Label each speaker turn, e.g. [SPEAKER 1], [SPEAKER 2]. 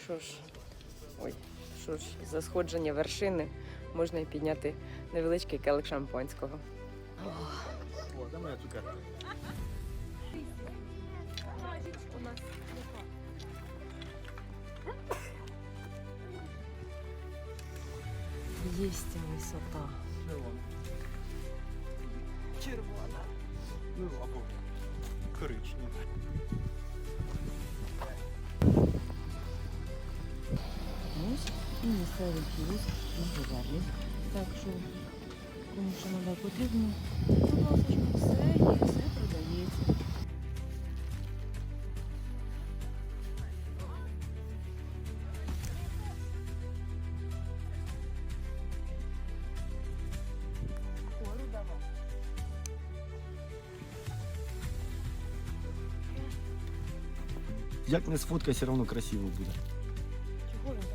[SPEAKER 1] Що ж, ой, що ж, за сходження вершини можна і підняти невеличкий келик шампанського.
[SPEAKER 2] О, де моя цукерка?
[SPEAKER 1] Єсть ця висота. Червона.
[SPEAKER 2] Ну, або коричнева.
[SPEAKER 1] Ось і місцевий кіоск на Говерлі. Так що, кому що надо потрібно, будь ласка, все є, все продається.
[SPEAKER 2] Як не сфоткай, все одно красиво буде.
[SPEAKER 1] Чого він